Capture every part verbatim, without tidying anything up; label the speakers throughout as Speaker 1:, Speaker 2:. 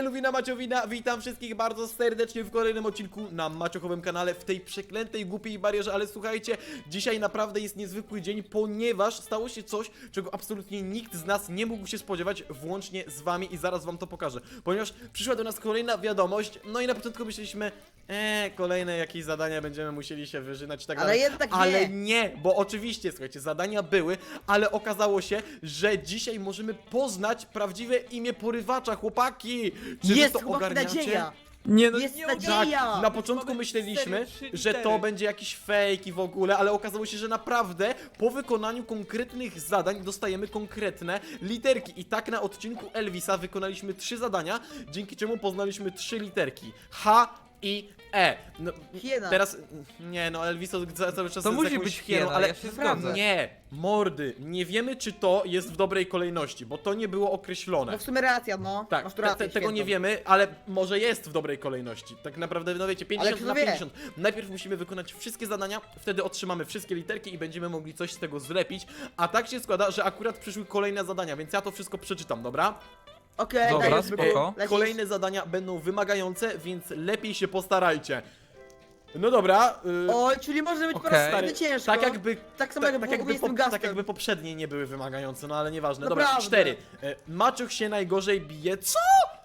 Speaker 1: Luwina Maciowina, witam wszystkich bardzo serdecznie w kolejnym odcinku na Maciochowym kanale w tej przeklętej, głupiej barierze, ale słuchajcie, dzisiaj naprawdę jest niezwykły dzień, ponieważ stało się coś, czego absolutnie nikt z nas nie mógł się spodziewać, włącznie z wami i zaraz wam to pokażę, ponieważ przyszła do nas kolejna wiadomość, no i na początku myśleliśmy, eee, kolejne jakieś zadania będziemy musieli się wyżynać i tak
Speaker 2: Ale
Speaker 1: dalej,
Speaker 2: jednak nie.
Speaker 1: ale nie, bo oczywiście, słuchajcie, zadania były, ale okazało się, że dzisiaj możemy poznać prawdziwe imię porywacza, chłopaki! Czy wy
Speaker 2: Jest
Speaker 1: to
Speaker 2: chłopaki
Speaker 1: ogarniacie?
Speaker 2: nadzieja!
Speaker 3: Nie no,
Speaker 2: Jest
Speaker 3: nie
Speaker 2: nadzieja!
Speaker 1: Tak, na początku
Speaker 3: Mamy
Speaker 1: myśleliśmy,
Speaker 3: serio trzy
Speaker 1: że to
Speaker 3: litery.
Speaker 1: będzie jakiś fake i w ogóle, ale okazało się, że naprawdę po wykonaniu konkretnych zadań dostajemy konkretne literki. I tak na odcinku Elvisa wykonaliśmy trzy zadania, dzięki czemu poznaliśmy trzy literki. H i E. No,
Speaker 2: Hiena.
Speaker 1: teraz, nie no, Elviso za- cały czas
Speaker 3: To
Speaker 1: jest
Speaker 3: musi
Speaker 1: jakąś
Speaker 3: być
Speaker 1: hieną,
Speaker 3: hiena,
Speaker 1: ale
Speaker 3: ja się
Speaker 2: Naprawdę.
Speaker 3: zgodzę.
Speaker 1: nie, mordy, nie wiemy czy to jest w dobrej kolejności, bo to nie było określone.
Speaker 2: No w sumie racja, no.
Speaker 1: Tak,
Speaker 2: Masz tu
Speaker 1: te,
Speaker 2: rację,
Speaker 1: te, tego nie
Speaker 2: świętą.
Speaker 1: wiemy, ale może jest w dobrej kolejności. Tak naprawdę, no wiecie, pięćdziesiąt
Speaker 2: kto
Speaker 1: na
Speaker 2: wie?
Speaker 1: pięćdziesiąt. Najpierw musimy wykonać wszystkie zadania, wtedy otrzymamy wszystkie literki i będziemy mogli coś z tego zlepić. A tak się składa, że akurat przyszły kolejne zadania, więc ja to wszystko przeczytam, dobra?
Speaker 2: Okej,
Speaker 3: Dobra,
Speaker 2: dajesz,
Speaker 3: spoko.
Speaker 2: byku.
Speaker 1: E,
Speaker 2: Lecisz.
Speaker 1: kolejne zadania będą wymagające, więc lepiej się postarajcie. No dobra. y,
Speaker 2: Oj, czyli może być po
Speaker 3: Okej.
Speaker 2: raz
Speaker 1: stary,
Speaker 2: stary, ciężko.
Speaker 1: tak jakby
Speaker 2: Tak samo jak
Speaker 1: tak,
Speaker 2: w
Speaker 1: jakby
Speaker 2: ogóle z tym
Speaker 1: po,
Speaker 2: gastem.
Speaker 1: tak jakby poprzednie nie były wymagające, no ale nieważne. Dobra,
Speaker 2: Naprawdę.
Speaker 1: cztery. E, Maciuch się najgorzej bije. Co?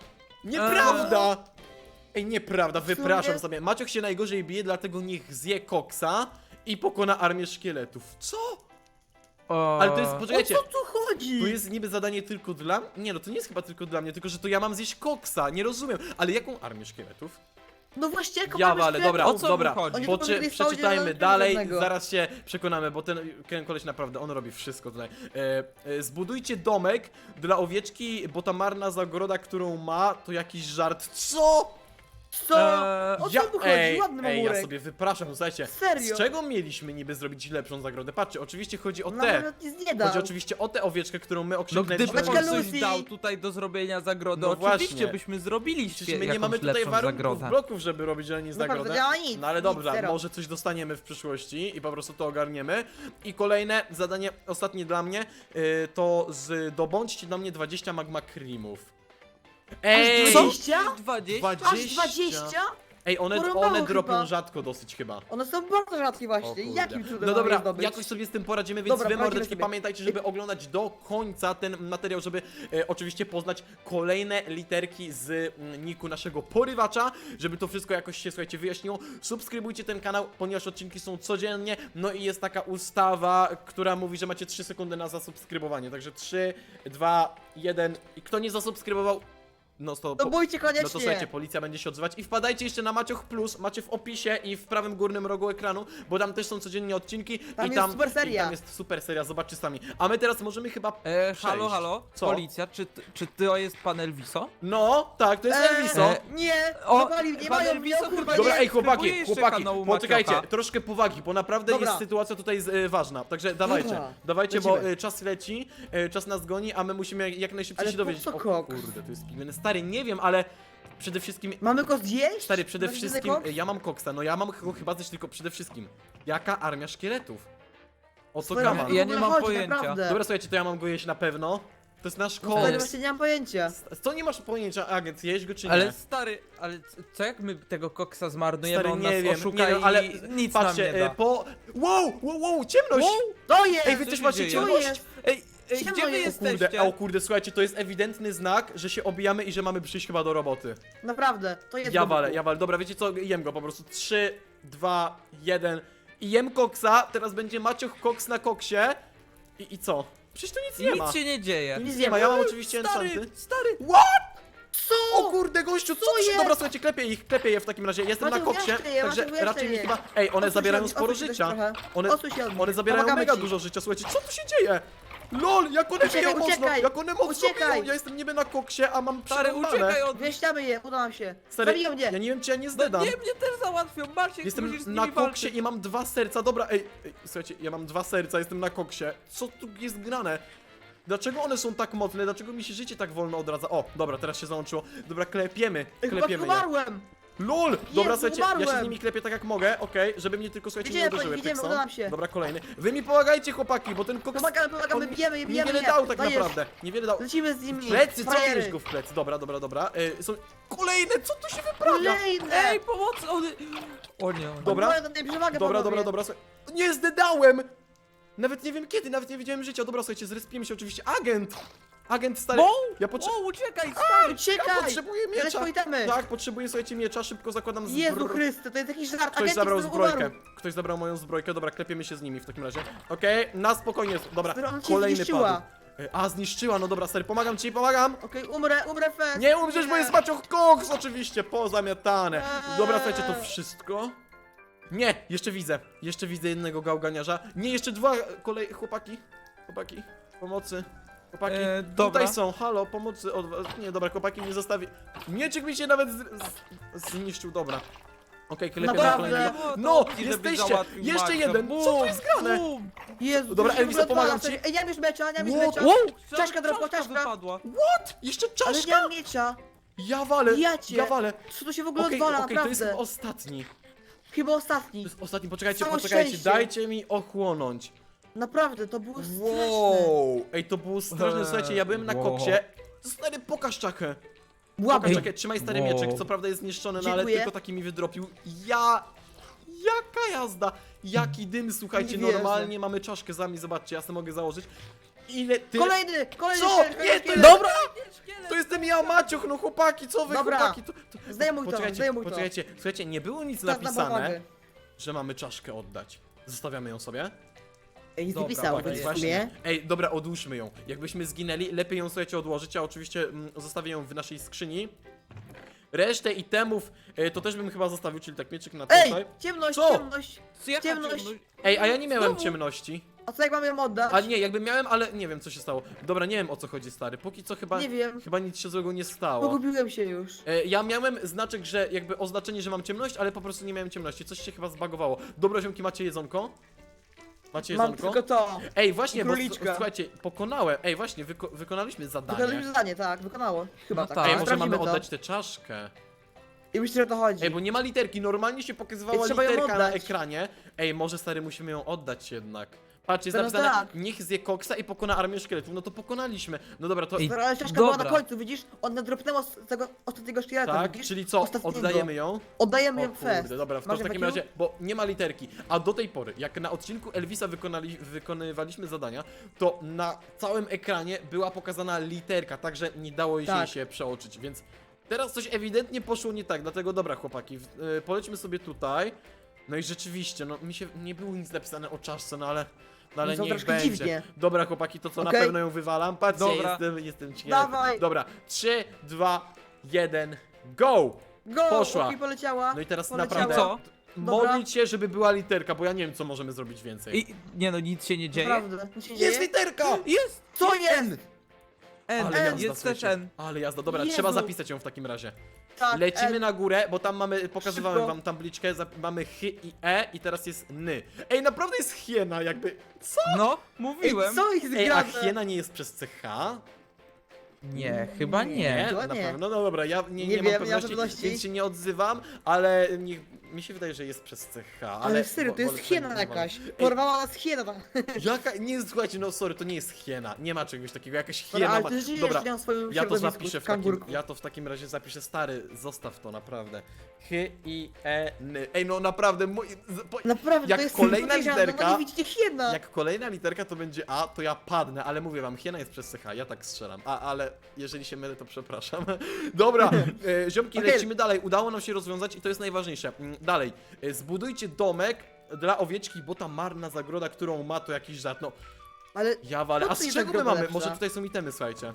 Speaker 1: Nieprawda! Ej, nieprawda, wypraszam
Speaker 2: sumie?
Speaker 1: sobie. Maciuch się najgorzej bije, dlatego niech zje koksa i pokona armię szkieletów. Co?
Speaker 3: O...
Speaker 1: Ale to jest,
Speaker 2: O
Speaker 1: poczekajcie,
Speaker 2: co tu chodzi?
Speaker 1: to jest niby zadanie tylko dla... Nie no, to nie jest chyba tylko dla mnie, tylko że to ja mam zjeść koksa, nie rozumiem. Ale jaką armię szkieletów?
Speaker 2: No właśnie,
Speaker 1: Ja
Speaker 2: kopamy
Speaker 1: wale,
Speaker 2: szkielet.
Speaker 1: dobra,
Speaker 3: O co
Speaker 1: dobra,
Speaker 3: wychodzi?
Speaker 2: Oni
Speaker 1: Poczy,
Speaker 2: tu powiedzieli,
Speaker 1: przeczytajmy
Speaker 2: że
Speaker 1: dalej,
Speaker 2: żadnego.
Speaker 1: zaraz się przekonamy, bo ten, ten koleś naprawdę, on robi wszystko tutaj. E, e, zbudujcie domek dla owieczki, bo ta marna zagroda, którą ma, to jakiś żart. Co?
Speaker 2: Co?
Speaker 3: Eee,
Speaker 2: O co
Speaker 1: Ja,
Speaker 2: tu chodzi?
Speaker 1: ej,
Speaker 2: Ładny
Speaker 1: ej, ja
Speaker 2: mamurek.
Speaker 1: sobie wypraszam, słuchajcie,
Speaker 2: Serio?
Speaker 1: z czego mieliśmy niby zrobić lepszą zagrodę? Patrzcie, oczywiście chodzi o
Speaker 2: No,
Speaker 1: te,
Speaker 2: nawet nic nie dał.
Speaker 1: chodzi oczywiście o tę owieczkę, którą my
Speaker 3: No
Speaker 1: okrzyknęliśmy.
Speaker 3: gdyby
Speaker 2: Owieczka
Speaker 3: on coś
Speaker 2: Lucy.
Speaker 3: dał tutaj do zrobienia zagrody,
Speaker 1: No
Speaker 3: oczywiście
Speaker 1: właśnie.
Speaker 3: byśmy zrobili
Speaker 1: Przecież
Speaker 3: świe-
Speaker 1: my nie
Speaker 3: jakąś
Speaker 1: mamy tutaj
Speaker 3: lepszą
Speaker 1: warunków,
Speaker 3: zagrodę.
Speaker 1: bloków, żeby robić ani
Speaker 2: No
Speaker 1: zagrodę.
Speaker 2: prawda, działa nic,
Speaker 1: No ale
Speaker 2: nic,
Speaker 1: dobrze,
Speaker 2: zero.
Speaker 1: może coś dostaniemy w przyszłości i po prostu to ogarniemy. I kolejne zadanie, ostatnie dla mnie, yy, to zdobądźcie dla mnie dwadzieścia magma creamów. Ej!
Speaker 2: Co? dwadzieścia?
Speaker 3: dwadzieścia?
Speaker 2: Aż dwadzieścia?
Speaker 1: Ej, one,
Speaker 2: Porąbało
Speaker 1: one dropią
Speaker 2: chyba.
Speaker 1: rzadko dosyć chyba.
Speaker 2: One są bardzo rzadkie
Speaker 1: O
Speaker 2: właśnie.
Speaker 1: kurde.
Speaker 2: Jakim cudem
Speaker 1: No
Speaker 2: mamy
Speaker 1: dobra,
Speaker 2: je zdobyć?
Speaker 1: jakoś sobie z tym poradzimy, więc
Speaker 2: Dobra,
Speaker 1: wy
Speaker 2: poradzimy
Speaker 1: mordeczki
Speaker 2: sobie.
Speaker 1: pamiętajcie, żeby oglądać do końca ten materiał, żeby e, oczywiście poznać kolejne literki z mm, niku naszego porywacza, żeby to wszystko jakoś się, słuchajcie, wyjaśniło. Subskrybujcie ten kanał, ponieważ odcinki są codziennie, no i jest taka ustawa, która mówi, że macie trzy sekundy na zasubskrybowanie, także trzy, dwa, jeden i kto nie zasubskrybował, no to...
Speaker 2: To bójcie koniecznie.
Speaker 1: No to słuchajcie, policja będzie się odzywać i wpadajcie jeszcze na Macioch Plus, macie w opisie i w prawym górnym rogu ekranu, bo tam też są codziennie odcinki
Speaker 2: Tam
Speaker 1: i
Speaker 2: jest
Speaker 1: tam,
Speaker 2: super seria.
Speaker 1: i tam jest super seria, zobaczcie sami. A my teraz możemy chyba
Speaker 3: E,
Speaker 1: przejść.
Speaker 3: halo, halo,
Speaker 1: Co?
Speaker 3: policja, czy, ty- czy to jest pan Elviso?
Speaker 1: No, tak, to jest
Speaker 2: Eee,
Speaker 1: Elviso.
Speaker 3: e,
Speaker 2: Nie!
Speaker 3: O,
Speaker 2: Chłopaki, nie
Speaker 3: pan
Speaker 2: mają
Speaker 3: Elviso
Speaker 2: mnie, kurwa,
Speaker 3: chyba
Speaker 1: Dobra,
Speaker 2: nie!
Speaker 1: ej chłopaki,
Speaker 3: subskrybuje jeszcze
Speaker 1: chłopaki,
Speaker 3: kanału
Speaker 1: poczekajcie,
Speaker 3: Maciocha.
Speaker 1: troszkę powagi, bo naprawdę
Speaker 2: Dobra.
Speaker 1: jest sytuacja tutaj z, e, ważna. Także dawajcie,
Speaker 2: Dobra,
Speaker 1: dawajcie, bo
Speaker 2: lecimy.
Speaker 1: e, czas leci, e, czas nas goni, a my musimy jak, jak najszybciej
Speaker 2: Ale
Speaker 1: się
Speaker 2: po
Speaker 1: dowiedzieć.
Speaker 2: co
Speaker 1: O
Speaker 2: koks?
Speaker 1: kurde, to jest pigment. Stary, nie wiem, ale przede wszystkim
Speaker 2: Mamy go zjeść?
Speaker 1: Stary, przede
Speaker 2: Masz
Speaker 1: wszystkim,
Speaker 2: jeden koks?
Speaker 1: ja mam koksa, no ja mam go chyba też tylko przede wszystkim. Jaka armia szkieletów? O co
Speaker 2: Stary,
Speaker 1: gama?
Speaker 2: o co
Speaker 3: Ja
Speaker 2: w
Speaker 3: nie
Speaker 2: ogóle
Speaker 3: mam
Speaker 2: chodzi,
Speaker 3: pojęcia.
Speaker 2: naprawdę?
Speaker 1: Dobra, słuchajcie, to ja mam go jeść na pewno. To jest nasz
Speaker 2: Stary,
Speaker 1: koks.
Speaker 2: właśnie nie mam pojęcia.
Speaker 1: Co nie masz pojęcia, agent, jeść go czy nie?
Speaker 3: Ale stary, ale c- co jak my tego koksa zmarnujemy,
Speaker 1: Stary,
Speaker 3: on
Speaker 1: nie
Speaker 3: nas
Speaker 1: wiem,
Speaker 3: oszuka
Speaker 1: nie wiem, ale
Speaker 3: i nic
Speaker 1: patrzcie,
Speaker 3: nam nie da.
Speaker 1: e, po... Wow, wow, wow, ciemność!
Speaker 2: To jest!
Speaker 1: Ej, wy
Speaker 3: co
Speaker 1: też
Speaker 3: się
Speaker 1: macie
Speaker 3: dzieje?
Speaker 2: Co
Speaker 1: ciemność?
Speaker 2: jest?
Speaker 3: Ej, ej
Speaker 2: Siema,
Speaker 3: gdzie wy
Speaker 2: jest.
Speaker 1: Kurde,
Speaker 3: jesteście?
Speaker 1: o kurde, słuchajcie, to jest ewidentny znak, że się obijamy i że mamy przyjść chyba do roboty.
Speaker 2: Naprawdę, to jest
Speaker 1: Ja
Speaker 2: do
Speaker 1: walę,
Speaker 2: boku.
Speaker 1: ja walę. Dobra, wiecie co? Jem go po prostu. trzy, dwa, jeden. I jem koksa. Teraz będzie Macioch koks na koksie. I, i co? Przecież tu nic nie ma.
Speaker 3: Nic się nie dzieje.
Speaker 1: Tu nic
Speaker 2: Nic
Speaker 1: nie
Speaker 2: nie
Speaker 1: ma.
Speaker 2: ma.
Speaker 1: Ja mam oczywiście
Speaker 3: Stary,
Speaker 1: enchanty.
Speaker 3: stary,
Speaker 1: What?
Speaker 2: Co?
Speaker 1: O kurde, gościu, co
Speaker 2: Co
Speaker 1: tu się...
Speaker 2: jest?
Speaker 1: Dobra, słuchajcie, klepię ich, klepię je w takim razie. Jestem
Speaker 2: Maciek,
Speaker 1: na koksie,
Speaker 2: jeszcze je,
Speaker 1: także
Speaker 2: Maciek, jeszcze
Speaker 1: raczej mi
Speaker 2: je.
Speaker 1: chyba... Ej, one
Speaker 2: Odsuń się
Speaker 1: zabierają
Speaker 2: od-
Speaker 1: sporo
Speaker 2: odsuń się
Speaker 1: życia.
Speaker 2: trochę.
Speaker 1: One,
Speaker 2: Odsuń się od nich.
Speaker 1: one zabierają
Speaker 2: Pomagamy
Speaker 1: mega
Speaker 2: ci.
Speaker 1: dużo życia, słuchajcie, co tu się dzieje? LOL, jak one
Speaker 2: Uciekaj,
Speaker 1: biją mocno,
Speaker 2: uciekaj,
Speaker 1: jak one mocno
Speaker 2: uciekaj.
Speaker 1: biją. Ja jestem niby na koksie, a mam
Speaker 3: stary,
Speaker 1: przerąbane.
Speaker 3: uciekaj od...
Speaker 2: Wieściamy je, uda nam się.
Speaker 1: Stary,
Speaker 2: Zabiją mnie.
Speaker 1: ja nie wiem, czy ja nie
Speaker 3: No
Speaker 1: zdedam.
Speaker 3: nie, mnie też załatwią, Marciek,
Speaker 1: Jestem
Speaker 3: musisz z
Speaker 1: na
Speaker 3: nimi
Speaker 1: koksie
Speaker 3: walczyć.
Speaker 1: i mam dwa serca, dobra, ej, ej, słuchajcie, ja mam dwa serca, jestem na koksie. Co tu jest grane? Dlaczego one są tak mocne? Dlaczego mi się życie tak wolno odradza? O, dobra, teraz się załączyło. Dobra, klepiemy,
Speaker 2: Ej, chłopaki,
Speaker 1: klepiemy je.
Speaker 2: umarłem.
Speaker 1: LOL! Dobra,
Speaker 2: Jezu,
Speaker 1: słuchajcie, ja się z
Speaker 2: umarłem.
Speaker 1: nimi klepię tak jak mogę, okej, żeby mnie tylko, słuchajcie, nie
Speaker 2: Idziemy,
Speaker 1: uderzyły.
Speaker 2: idziemy,
Speaker 1: pyk są.
Speaker 2: uda nam się.
Speaker 1: Dobra, kolejny. Wy mi pomagajcie, chłopaki, bo ten koks...
Speaker 2: Pomagamy, pomagamy,
Speaker 1: on
Speaker 2: bijemy, bijemy,
Speaker 1: niewiele
Speaker 2: nie.
Speaker 1: dał tak
Speaker 2: Dajesz.
Speaker 1: naprawdę, niewiele dał.
Speaker 2: Lecimy z nimi.
Speaker 1: W plecy, co
Speaker 2: frajery.
Speaker 1: bierzesz go w plecy? Dobra, dobra, dobra. Y, są kolejne, co tu się wyprawia?
Speaker 2: Kolejne.
Speaker 3: Ej, pomocy! One... O nie, one...
Speaker 1: Dobra.
Speaker 2: Mają tutaj przewagę,
Speaker 1: Dobra, dobra,
Speaker 2: panowie.
Speaker 1: dobra, słuchaj. Nie zdedałem! Nawet nie wiem kiedy, nawet nie wiedziałem życia. Dobra, słuchajcie, zrespimy się oczywiście. Agent! Agent stary.
Speaker 3: Bo!
Speaker 1: Ja potrzebuję.
Speaker 3: O, uciekaj, stary!
Speaker 2: Uciekaj.
Speaker 1: Ja potrzebuję
Speaker 2: Bierz
Speaker 1: miecza.
Speaker 2: itemy.
Speaker 1: Tak, potrzebuję, słuchajcie, miecza, szybko zakładam zbro...
Speaker 2: Jezu Chryste, to jest jakiś żart.
Speaker 1: Ktoś
Speaker 2: Agenci
Speaker 1: zabrał
Speaker 2: chcą
Speaker 1: zbrojkę.
Speaker 2: umarł.
Speaker 1: Ktoś zabrał moją zbrojkę. Dobra, klepiemy się z nimi w takim razie. Okej, na spokojnie. Dobra,
Speaker 2: Stary, ona cię
Speaker 1: kolejny
Speaker 2: zniszczyła.
Speaker 1: padł. E, A, zniszczyła, no dobra, stary, pomagam ci, pomagam.
Speaker 2: Okej, umrę, umrę fest.
Speaker 1: Nie umrzesz, bo jest Maciuch Koks, oczywiście, pozamiatane.
Speaker 2: Eee.
Speaker 1: Dobra, słuchajcie, to wszystko? Nie, jeszcze widzę. Jeszcze widzę jednego gałganiarza. Nie, jeszcze dwa kolej... Chłopaki, chłopaki, pomocy. Chłopaki,
Speaker 3: E, dobra.
Speaker 1: tutaj są, halo, pomocy od was. Nie, dobra, chłopaki nie zostawi. Mieczek mi się nawet z, z, zniszczył, dobra. Okej, klepię na
Speaker 2: Naprawdę?
Speaker 1: kolejnego.
Speaker 3: No,
Speaker 1: No,
Speaker 3: to ci, żeby
Speaker 1: jesteście!
Speaker 3: załatwił
Speaker 1: Jeszcze
Speaker 3: Maxa.
Speaker 1: jeden! Co tu
Speaker 3: Bum,
Speaker 1: jest grane?
Speaker 3: bum.
Speaker 2: Jezu,
Speaker 1: Dobra,
Speaker 2: to się
Speaker 1: Elviso,
Speaker 2: w ogóle
Speaker 1: pomagam
Speaker 2: odwala.
Speaker 1: ci.
Speaker 2: Ej, nie mam już mecza, nie mam już
Speaker 1: Wow,
Speaker 2: mecza.
Speaker 3: Wow,
Speaker 2: Czaszka dropła, czaszka.
Speaker 3: wypadła.
Speaker 1: Jeszcze
Speaker 2: Ale nie
Speaker 1: czaszka?
Speaker 2: mam miecza.
Speaker 1: Ja walę,
Speaker 2: Ja cię.
Speaker 1: ja walę.
Speaker 2: Co tu się w ogóle
Speaker 1: Okej,
Speaker 2: odwala,
Speaker 1: okej, to jest
Speaker 2: naprawdę?
Speaker 1: ostatni.
Speaker 2: Chyba ostatni.
Speaker 1: To jest ostatni, poczekajcie,
Speaker 2: Całe
Speaker 1: poczekajcie,
Speaker 2: szczęście.
Speaker 1: dajcie mi ochłonąć.
Speaker 2: Naprawdę, to było straszne.
Speaker 1: Wow, ej, to było straszne,
Speaker 3: Eee,
Speaker 1: słuchajcie, ja byłem na
Speaker 3: wow.
Speaker 1: koksie. Stary, pokaż czakę.
Speaker 2: Łapy.
Speaker 1: Pokaż czakę, trzymaj stary
Speaker 3: Wow.
Speaker 1: mieczek, co prawda jest zniszczony, no ale
Speaker 2: Dziękuję.
Speaker 1: tylko taki mi wydropił. Ja... Jaka jazda! Jaki dym, słuchajcie,
Speaker 2: Nie wierzę.
Speaker 1: normalnie mamy czaszkę, sami zobaczcie, ja sobie mogę założyć. Ile ty...
Speaker 2: Kolejny, kolejny.
Speaker 1: Co?
Speaker 2: szkielet,
Speaker 1: Nie,
Speaker 2: kolejny
Speaker 1: to jest...
Speaker 2: szkielet.
Speaker 1: Dobra! To jestem ja, Maciuch, no chłopaki, co wy,
Speaker 2: Dobra.
Speaker 1: chłopaki? To, to...
Speaker 2: Zdejmuj to,
Speaker 1: Poczekajcie,
Speaker 2: zdejmuj to.
Speaker 1: poczekajcie, słuchajcie, nie było nic
Speaker 2: Czas na
Speaker 1: napisane,
Speaker 2: pomagę.
Speaker 1: że mamy czaszkę oddać. Zostawiamy ją sobie?
Speaker 2: Ej, nic nie
Speaker 3: Dobra,
Speaker 2: pisało,
Speaker 3: dobra,
Speaker 2: więc w
Speaker 3: właśnie.
Speaker 2: sumie.
Speaker 1: Ej, dobra, odłóżmy ją. Jakbyśmy zginęli, lepiej ją, słuchajcie, odłożyć, a oczywiście mm, zostawię ją w naszej skrzyni. Resztę itemów e, to też bym chyba zostawił, czyli tak mieczyk na
Speaker 2: Ej,
Speaker 1: tutaj.
Speaker 2: ciemność,
Speaker 1: Co?
Speaker 2: ciemność.
Speaker 3: Co, jaka
Speaker 2: Ciemność.
Speaker 3: ciemność?
Speaker 1: Ej, a ja nie miałem
Speaker 3: Znowu?
Speaker 1: ciemności.
Speaker 2: A co jak mamy ją oddać?
Speaker 1: A nie, jakby miałem, ale nie wiem co się stało. Dobra, nie wiem o co chodzi, stary. Póki co chyba,
Speaker 2: Nie wiem.
Speaker 1: chyba nic się złego nie stało.
Speaker 2: Pogubiłem się już.
Speaker 1: E, ja miałem znaczek, że jakby oznaczenie, że mam ciemność, ale po prostu nie miałem ciemności. Coś się chyba zbagowało. Dobra, ziomki, macie jedzonko? Macie
Speaker 2: Mam
Speaker 1: jedzonko?
Speaker 2: tylko to.
Speaker 1: Ej, właśnie, bo s-
Speaker 2: króliczka.
Speaker 1: słuchajcie, pokonałem. Ej, właśnie, wyko wykonaliśmy zadanie.
Speaker 2: Wykonaliśmy zadanie, tak, wykonało. Chyba
Speaker 3: No
Speaker 2: tak.
Speaker 3: tak.
Speaker 1: Ej, może
Speaker 2: Sprawdzimy
Speaker 1: mamy
Speaker 2: to.
Speaker 1: oddać tę czaszkę.
Speaker 2: I myślę, że o to chodzi.
Speaker 1: Ej, bo nie ma literki, normalnie się pokazywała
Speaker 2: Ej, trzeba ją
Speaker 1: literka na
Speaker 2: oddać.
Speaker 1: ekranie. Ej, może stary, musimy ją oddać jednak. Patrz, jest
Speaker 2: Teraz
Speaker 1: napisane,
Speaker 2: tak.
Speaker 1: niech zje koksa i pokona armię szkieletów. No to pokonaliśmy. No dobra, to...
Speaker 3: Ej,
Speaker 2: Dobra, ale czaszka była na
Speaker 3: Dobra.
Speaker 2: końcu, widzisz? Ona dropnęła z tego ostatniego szkieleta,
Speaker 1: Tak,
Speaker 2: widzisz?
Speaker 1: czyli co,
Speaker 2: Ostatniego.
Speaker 1: oddajemy ją?
Speaker 2: Oddajemy
Speaker 1: O
Speaker 2: ją fest.
Speaker 1: kurde, dobra, w, to
Speaker 2: Masz
Speaker 1: w takim
Speaker 2: jakiego?
Speaker 1: razie, bo nie ma literki. A do tej pory, jak na odcinku Elvisa wykonali, wykonywaliśmy zadania, to na całym ekranie była pokazana literka, także nie dało jej
Speaker 2: Tak.
Speaker 1: się przeoczyć, więc teraz coś ewidentnie poszło nie tak, dlatego dobra chłopaki, w, y, polećmy sobie tutaj. No i rzeczywiście, no mi się nie było nic napisane o czaszce, no ale... No ale
Speaker 2: No to
Speaker 1: niech
Speaker 2: troszkę
Speaker 1: będzie.
Speaker 2: dziwnie.
Speaker 1: Dobra chłopaki, to co na
Speaker 2: Okej.
Speaker 1: pewno ją wywalam. Patrzcie,
Speaker 3: Dobra.
Speaker 1: jestem, jestem ciekawy.
Speaker 2: Dawaj.
Speaker 1: Dobra, trzy, dwa, jeden, go!
Speaker 2: Go!
Speaker 1: Poszła.
Speaker 2: Okej, poleciała.
Speaker 1: No i teraz
Speaker 2: poleciała.
Speaker 1: naprawdę
Speaker 3: Co?
Speaker 2: Dobra.
Speaker 1: modlić się, żeby była literka, bo ja nie wiem, co możemy zrobić więcej.
Speaker 3: I, nie no, nic się nie dzieje.
Speaker 2: Naprawdę, nic się
Speaker 1: Jest
Speaker 2: dzieje?
Speaker 1: literka!
Speaker 3: Jest!
Speaker 2: Co jest?
Speaker 3: N,
Speaker 1: Ale
Speaker 2: N,
Speaker 1: jazda,
Speaker 3: jest też
Speaker 1: słuchajcie.
Speaker 3: N.
Speaker 1: Ale jazda, dobra,
Speaker 2: Jezu.
Speaker 1: trzeba zapisać ją w takim razie.
Speaker 2: Tak,
Speaker 1: Lecimy
Speaker 2: N.
Speaker 1: na górę, bo tam mamy, pokazywałem
Speaker 2: Szybko.
Speaker 1: wam tabliczkę, zap- mamy H i E i teraz jest Ny. Ej, naprawdę jest hiena, jakby, co?
Speaker 3: No,
Speaker 2: Ej,
Speaker 3: mówiłem.
Speaker 2: co jest
Speaker 1: Ej, a
Speaker 2: grane?
Speaker 1: hiena nie jest przez C H?
Speaker 3: Nie, chyba nie.
Speaker 2: Chyba
Speaker 1: na
Speaker 2: nie.
Speaker 1: pewno, no dobra, ja nie, nie,
Speaker 2: Nie
Speaker 1: mam
Speaker 2: wiem, nie mam
Speaker 1: pewności,
Speaker 2: pewności.
Speaker 1: więc się nie odzywam, ale nie, mi się wydaje, że jest przez C H, ale...
Speaker 2: Ale serio,
Speaker 1: wo-
Speaker 2: to jest
Speaker 1: wolę
Speaker 2: hiena
Speaker 1: przynajmniej nie
Speaker 2: jakaś.
Speaker 1: wolę. Ej,
Speaker 2: Porwała nas hiena.
Speaker 1: jaka, nie, słuchajcie, no sorry, to nie jest hiena, nie ma czegoś takiego, jakaś
Speaker 2: Dobra,
Speaker 1: hiena
Speaker 2: ale
Speaker 1: ma...
Speaker 2: ty rzeczywiście
Speaker 1: Dobra,
Speaker 2: miał swoją
Speaker 1: ja to
Speaker 2: środowisku,
Speaker 1: zapiszę w takim,
Speaker 2: kangurku.
Speaker 1: ja to w takim razie zapiszę, stary, zostaw to, naprawdę. H, I, E, N. Ej, no naprawdę, mój, z- po,
Speaker 2: Naprawdę,
Speaker 1: jak
Speaker 2: to jest
Speaker 1: kolejna
Speaker 2: podejrzane,
Speaker 1: literka-
Speaker 2: No nie widzicie hiena.
Speaker 1: jak kolejna literka to będzie A, to ja padnę, ale mówię wam, hiena jest przez C H, ja tak strzelam, a, ale jeżeli się mylę, to przepraszam. Dobra, e, ziomki,
Speaker 2: Okej.
Speaker 1: lecimy dalej, udało nam się rozwiązać i to jest najważniejsze. Mm, Dalej, e, zbudujcie domek dla owieczki, bo ta marna zagroda, którą ma, to jakiś żart, no,
Speaker 2: Ale
Speaker 1: ja walę.
Speaker 2: Po
Speaker 1: A
Speaker 2: co
Speaker 1: z
Speaker 2: jej
Speaker 1: czego my
Speaker 2: zagroda
Speaker 1: mamy?
Speaker 2: lepsza?
Speaker 1: Może tutaj są itemy, słuchajcie.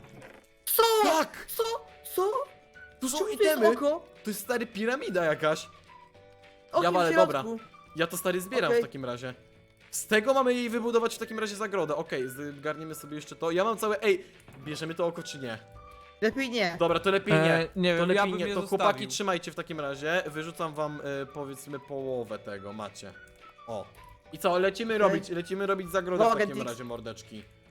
Speaker 2: co?
Speaker 1: Tak!
Speaker 2: Co? Co?
Speaker 1: Tu są
Speaker 2: Czemu to jest
Speaker 1: itemy!
Speaker 2: oko?
Speaker 1: To jest stary piramida jakaś.
Speaker 2: Okiem
Speaker 1: Ja walę,
Speaker 2: w
Speaker 1: dobra.
Speaker 2: środku.
Speaker 1: Ja to stary zbieram
Speaker 2: Okej.
Speaker 1: w takim razie. Z tego mamy jej wybudować w takim razie zagrodę. Okej, zgarniemy sobie jeszcze to. Ja mam całe... Ej, bierzemy to oko czy nie?
Speaker 2: Lepiej nie.
Speaker 1: Dobra, to lepiej nie.
Speaker 3: E, nie
Speaker 1: to
Speaker 3: wiem, ja
Speaker 1: lepiej
Speaker 3: bym
Speaker 1: nie.
Speaker 3: je
Speaker 1: To
Speaker 3: zostawił.
Speaker 1: chłopaki trzymajcie w takim razie. Wyrzucam wam e, powiedzmy połowę tego, macie. O. I co, lecimy robić, lecimy robić zagrodę w
Speaker 2: Mogę,
Speaker 1: takim
Speaker 2: Dix.
Speaker 1: razie, mordeczki.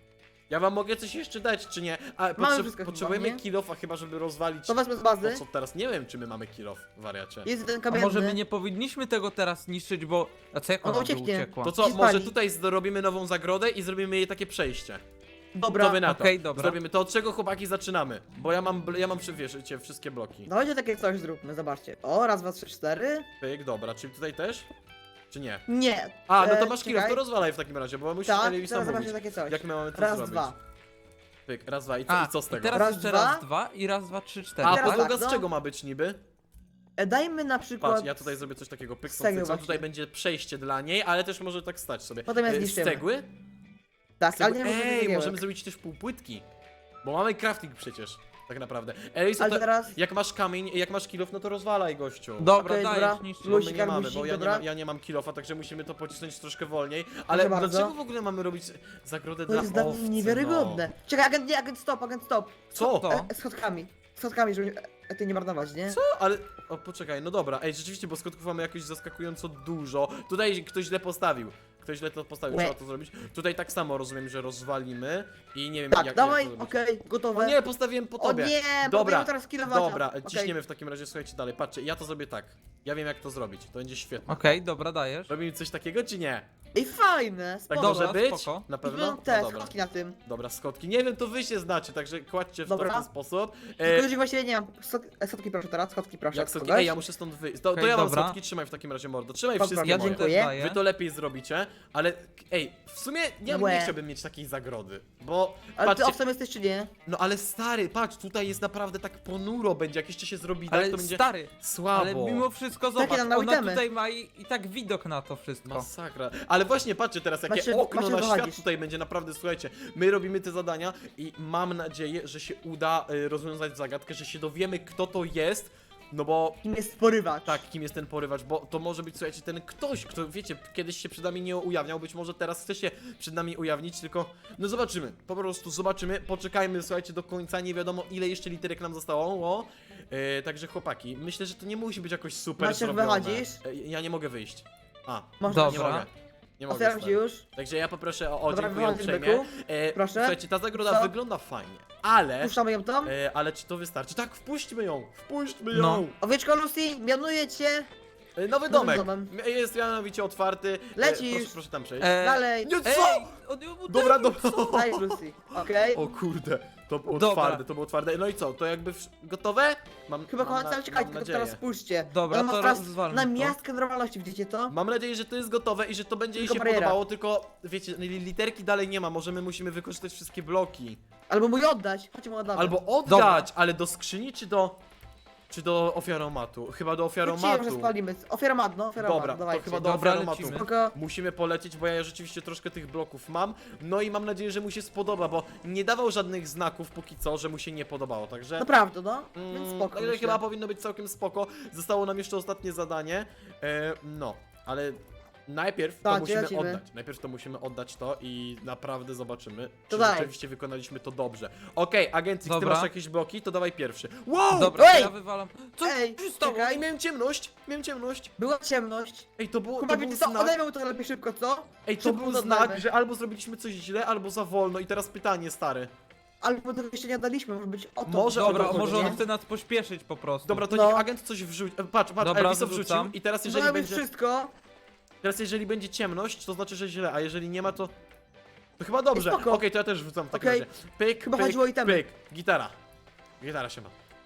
Speaker 1: Ja wam mogę coś jeszcze dać, czy nie? A
Speaker 2: Mamy
Speaker 1: potrze
Speaker 2: wszystko chyba,
Speaker 1: potrzebujemy
Speaker 2: nie?
Speaker 1: kilofa chyba, żeby rozwalić...
Speaker 2: To wezmę z bazy.
Speaker 1: To co teraz? Nie wiem, czy my mamy kilof, wariacie.
Speaker 2: Jest ten
Speaker 3: A
Speaker 2: kamienny.
Speaker 3: może my nie powinniśmy tego teraz niszczyć, bo... A co jak
Speaker 2: Ona
Speaker 3: ona by
Speaker 2: ucieknie.
Speaker 3: uciekła?
Speaker 1: To co,
Speaker 2: się
Speaker 1: może
Speaker 2: spali.
Speaker 1: tutaj zrobimy nową zagrodę i zrobimy jej takie przejście.
Speaker 2: Dobra.
Speaker 1: To wy na to.
Speaker 3: Okej, dobra.
Speaker 1: Zrobimy to, od czego chłopaki zaczynamy? Bo ja mam, ja mam wiecie, wszystkie bloki.
Speaker 2: Dawajcie takie coś zróbmy, zobaczcie. O, raz, dwa, trzy, cztery.
Speaker 1: Pyk, dobra, czyli tutaj też? Czy nie?
Speaker 2: Nie.
Speaker 1: A, no
Speaker 2: E,
Speaker 1: to masz kilof,
Speaker 2: czekaj.
Speaker 1: to rozwalaj w takim razie, bo musisz
Speaker 2: Tak,
Speaker 1: mi sam
Speaker 2: teraz
Speaker 1: mówić.
Speaker 2: zobaczcie takie coś.
Speaker 1: Jak my mamy to
Speaker 2: Raz,
Speaker 1: zrobić?
Speaker 2: dwa.
Speaker 1: Pyk, raz, dwa i co,
Speaker 3: A,
Speaker 1: i co z
Speaker 3: i
Speaker 1: tego?
Speaker 3: teraz
Speaker 2: Raz,
Speaker 3: jeszcze
Speaker 2: dwa.
Speaker 3: raz, dwa i raz, dwa, trzy, cztery,
Speaker 1: A
Speaker 2: teraz
Speaker 3: tak?
Speaker 1: podłoga
Speaker 2: tak,
Speaker 1: z
Speaker 2: no.
Speaker 1: czego ma być niby?
Speaker 2: E, dajmy na przykład...
Speaker 1: Patrz, ja tutaj zrobię coś takiego, pyk,
Speaker 2: z
Speaker 1: są
Speaker 2: cegły
Speaker 1: cyk,
Speaker 2: właśnie.
Speaker 1: tutaj będzie przejście dla niej, ale też może tak stać sobie.
Speaker 2: Potem ja
Speaker 1: E, Z
Speaker 2: zniszczymy.
Speaker 1: cegły?
Speaker 2: Tak,
Speaker 1: Z
Speaker 2: ale
Speaker 1: cegły?
Speaker 2: nie możemy
Speaker 1: Ej,
Speaker 2: cegiełek.
Speaker 1: możemy zrobić też półpłytki. Bo mamy crafting przecież, tak naprawdę. Ej,
Speaker 2: Ale
Speaker 1: to,
Speaker 2: teraz...
Speaker 1: jak masz kamień, jak masz kilof, no to rozwalaj, gościu.
Speaker 3: Dobra,
Speaker 2: Okej,
Speaker 3: dajesz,
Speaker 2: dobra.
Speaker 3: niszczyć.
Speaker 1: Bo my
Speaker 2: Lusik,
Speaker 1: nie mamy,
Speaker 2: arbusik,
Speaker 1: bo ja nie,
Speaker 2: dobra.
Speaker 1: ma, ja nie mam kilofa, także musimy to pocisnąć troszkę wolniej. Ale
Speaker 2: Proszę bardzo.
Speaker 1: dlaczego w ogóle mamy robić zagrodę
Speaker 2: To
Speaker 1: dla
Speaker 2: jest dla
Speaker 1: owcy,
Speaker 2: mnie niewiarygodne. Czekaj, agent, nie, agent stop, agent stop.
Speaker 1: No. Co?
Speaker 3: To?
Speaker 2: E, schodkami. Schodkami, żeby e, ty nie marnować, nie?
Speaker 1: Co? Ale... O, poczekaj, no dobra. Ej, rzeczywiście, bo skutków mamy jakoś zaskakująco dużo. Tutaj ktoś źle postawił. Ktoś źle to postawił,
Speaker 2: Łe.
Speaker 1: trzeba to zrobić. Tutaj tak samo rozumiem, że rozwalimy i nie wiem
Speaker 2: Tak,
Speaker 1: jak,
Speaker 2: dawaj,
Speaker 1: jak to
Speaker 2: okej,
Speaker 1: zrobić.
Speaker 2: gotowe.
Speaker 1: O nie, postawiłem po
Speaker 2: O
Speaker 1: tobie.
Speaker 2: nie,
Speaker 1: Dobra,
Speaker 2: dobra, teraz kilowacia.
Speaker 1: Dobra,
Speaker 2: Okej.
Speaker 1: ciśniemy w takim razie, słuchajcie dalej. Patrzcie, ja to zrobię tak. Ja wiem jak to zrobić, to będzie świetne.
Speaker 3: Okej, dobra, dajesz.
Speaker 1: Robimy coś takiego czy nie?
Speaker 2: Ej, fajne,
Speaker 1: Tak
Speaker 2: spoko.
Speaker 1: może
Speaker 3: Dobra,
Speaker 1: być?
Speaker 3: spoko.
Speaker 1: Na pewno?
Speaker 2: Zrobiłem te
Speaker 1: No dobra.
Speaker 2: schodki na tym.
Speaker 1: Dobra, skotki. Nie wiem, to wy się znacie, także kładźcie w to w
Speaker 2: Dobra.
Speaker 1: ten sposób.
Speaker 2: Tylko
Speaker 1: E,
Speaker 2: już właściwie nie mam. Schod- e, Schodki proszę teraz, schodki proszę.
Speaker 1: jak skotki?
Speaker 2: kogoś.
Speaker 1: Ej, ja muszę stąd wyjść. To, to
Speaker 3: Okej,
Speaker 1: ja mam
Speaker 3: dobra.
Speaker 1: skotki, trzymaj w takim razie mordo. Trzymaj
Speaker 2: Dobra,
Speaker 1: wszystkie
Speaker 3: Ja
Speaker 1: moje.
Speaker 3: tym
Speaker 2: dziękuję.
Speaker 3: też daję.
Speaker 1: Wy to lepiej zrobicie, ale ej, w sumie ja
Speaker 2: Łe.
Speaker 1: nie chciałbym mieć takiej zagrody, bo
Speaker 2: Ale ty
Speaker 1: patrzcie,
Speaker 2: owcem jesteś czy nie?
Speaker 1: no ale stary, patrz, tutaj jest naprawdę tak ponuro będzie, jak jeszcze się zrobi tak,
Speaker 3: Ale
Speaker 1: to będzie
Speaker 3: stary,
Speaker 1: słabo.
Speaker 3: ale mimo wszystko
Speaker 2: Takie
Speaker 3: zobacz,
Speaker 2: nam
Speaker 3: ona
Speaker 2: nałytemy.
Speaker 3: tutaj ma i, i tak widok na to wszystko.
Speaker 1: Masakra. Ale właśnie patrzcie teraz, jakie
Speaker 2: Macie-
Speaker 1: okno
Speaker 2: macie
Speaker 1: na świat
Speaker 2: dochodzić.
Speaker 1: tutaj będzie, naprawdę, słuchajcie. My robimy te zadania i mam nadzieję, że się uda y, rozwiązać zagadkę, że się dowiemy, kto to jest. No bo
Speaker 2: Kim jest porywacz?
Speaker 1: tak, kim jest ten porywacz, bo to może być, słuchajcie, ten ktoś, kto, wiecie, kiedyś się przed nami nie ujawniał, być może teraz chce się przed nami ujawnić, tylko, no zobaczymy, po prostu zobaczymy, poczekajmy, słuchajcie, do końca, nie wiadomo ile jeszcze literek nam zostało, e, także chłopaki, myślę, że to nie musi być jakoś super
Speaker 2: Maciek,
Speaker 1: zrobione.
Speaker 2: wychodzisz?
Speaker 1: E, ja nie mogę wyjść. A,
Speaker 2: Można.
Speaker 1: nie
Speaker 3: Dobra.
Speaker 1: mogę. Nie mogę,
Speaker 2: Otwieram ci
Speaker 1: stary.
Speaker 2: już.
Speaker 1: Także ja poproszę o, o
Speaker 2: Dobra,
Speaker 1: dziękuję
Speaker 2: wychodzisz,
Speaker 1: uprzejmie.
Speaker 2: byku?
Speaker 1: E,
Speaker 2: Proszę.
Speaker 1: Słuchajcie, ta zagroda
Speaker 2: Co?
Speaker 1: wygląda fajnie, ale,
Speaker 2: Puszczamy ją tam.
Speaker 1: e, ale czy to wystarczy? Tak, wpuśćmy ją, wpuśćmy ją.
Speaker 3: No.
Speaker 2: Owieczko Lucy, mianuję cię.
Speaker 1: E, Nowy
Speaker 2: Nowym
Speaker 1: domek.
Speaker 2: domem.
Speaker 1: Jest mianowicie otwarty. E,
Speaker 2: Lecisz.
Speaker 1: Proszę, proszę tam przejść.
Speaker 3: E,
Speaker 2: Dalej.
Speaker 1: Nie, co?
Speaker 3: Ej, on ją
Speaker 1: Dobra,
Speaker 3: uderzył,
Speaker 1: dobra.
Speaker 3: co?
Speaker 2: Daj Lucy. Okej.
Speaker 1: O kurde, to było
Speaker 3: Dobra.
Speaker 1: twarde, to było twarde. No i co, to jakby wsz- gotowe? Mam,
Speaker 2: Chyba
Speaker 1: mam,
Speaker 2: kochani,
Speaker 1: na-
Speaker 2: ale czekajcie,
Speaker 1: mam
Speaker 2: tylko
Speaker 1: nadzieję.
Speaker 2: teraz spójrzcie.
Speaker 3: Dobra,
Speaker 2: Ona ma
Speaker 3: to
Speaker 2: teraz
Speaker 3: rozwalmy
Speaker 2: na
Speaker 3: to.
Speaker 2: miastkę normalności, widzicie to?
Speaker 1: Mam nadzieję, że to jest gotowe i że to będzie jej
Speaker 2: Tylko
Speaker 1: się
Speaker 2: bariera.
Speaker 1: podobało, tylko wiecie, li- literki dalej nie ma, może my musimy wykorzystać wszystkie bloki.
Speaker 2: Albo mu je oddać. Chodźmy mu oddamy.
Speaker 1: Albo oddać, ale do skrzyni czy do... Czy do ofiaromatu? Chyba do
Speaker 2: Wrócimy, że
Speaker 1: ofiaromatu.
Speaker 2: spalimy. Ofiaromat, no, ofiaromat,
Speaker 1: Dobra, to
Speaker 2: dawajcie.
Speaker 1: chyba do
Speaker 3: Dobra,
Speaker 1: ofiaromatu.
Speaker 3: lecimy.
Speaker 2: Spoko.
Speaker 1: Musimy polecieć, bo ja rzeczywiście troszkę tych bloków mam. No i mam nadzieję, że mu się spodoba, bo nie dawał żadnych znaków póki co, że mu się nie podobało, także...
Speaker 2: Naprawdę, no.
Speaker 1: Mm,
Speaker 2: Więc spoko,
Speaker 1: także
Speaker 2: myślę.
Speaker 1: chyba powinno być całkiem spoko. Zostało nam jeszcze ostatnie zadanie. E, no, ale najpierw to
Speaker 2: Dajcie,
Speaker 1: musimy
Speaker 2: lecimy.
Speaker 1: oddać. Najpierw to musimy oddać to i naprawdę zobaczymy,
Speaker 2: To
Speaker 1: czy
Speaker 2: daj.
Speaker 1: rzeczywiście wykonaliśmy to dobrze. Okej, agencji, ty
Speaker 3: Dobra.
Speaker 1: masz jakieś bloki, to dawaj pierwszy. Wow!
Speaker 3: Dobra,
Speaker 2: Ej!
Speaker 3: ja wywalam. Co
Speaker 2: Ej,
Speaker 3: się stało?
Speaker 2: czekaj.
Speaker 1: Ej, miałem ciemność, miałem ciemność.
Speaker 2: Była ciemność.
Speaker 1: Ej, to było,
Speaker 2: Chyba
Speaker 1: to był
Speaker 2: wiecie co,
Speaker 1: znak.
Speaker 2: odejmę to lepiej szybko, co?
Speaker 1: Ej, to
Speaker 2: szybko
Speaker 1: był
Speaker 2: to
Speaker 1: znak,
Speaker 2: oddajmy.
Speaker 1: że albo zrobiliśmy coś źle, albo za wolno. I teraz pytanie, stary.
Speaker 2: Albo tego jeszcze nie oddaliśmy, może być o to.
Speaker 1: Może
Speaker 3: Dobra,
Speaker 1: o to
Speaker 3: może
Speaker 1: chodzi,
Speaker 3: on
Speaker 1: nie?
Speaker 3: chce nas pośpieszyć po prostu.
Speaker 1: Dobra, to
Speaker 2: No.
Speaker 1: niech agent coś wrzuci. e, Patrz, patrz,
Speaker 3: Dobra,
Speaker 1: Elviso wrzucił
Speaker 3: wrzucam.
Speaker 1: i teraz jeżeli
Speaker 2: Jeżeli
Speaker 1: będzie...
Speaker 2: wszystko.
Speaker 1: Teraz jeżeli będzie ciemność, to znaczy, że źle, a jeżeli nie ma, to... To chyba dobrze.
Speaker 2: Spoko.
Speaker 1: Okej, to ja też wrzucam w takim
Speaker 2: Okej.
Speaker 1: razie. Pyk,
Speaker 2: Chyba
Speaker 1: pyk,
Speaker 2: chodziło o itemy.
Speaker 1: pyk. Gitara. Gitara się ma.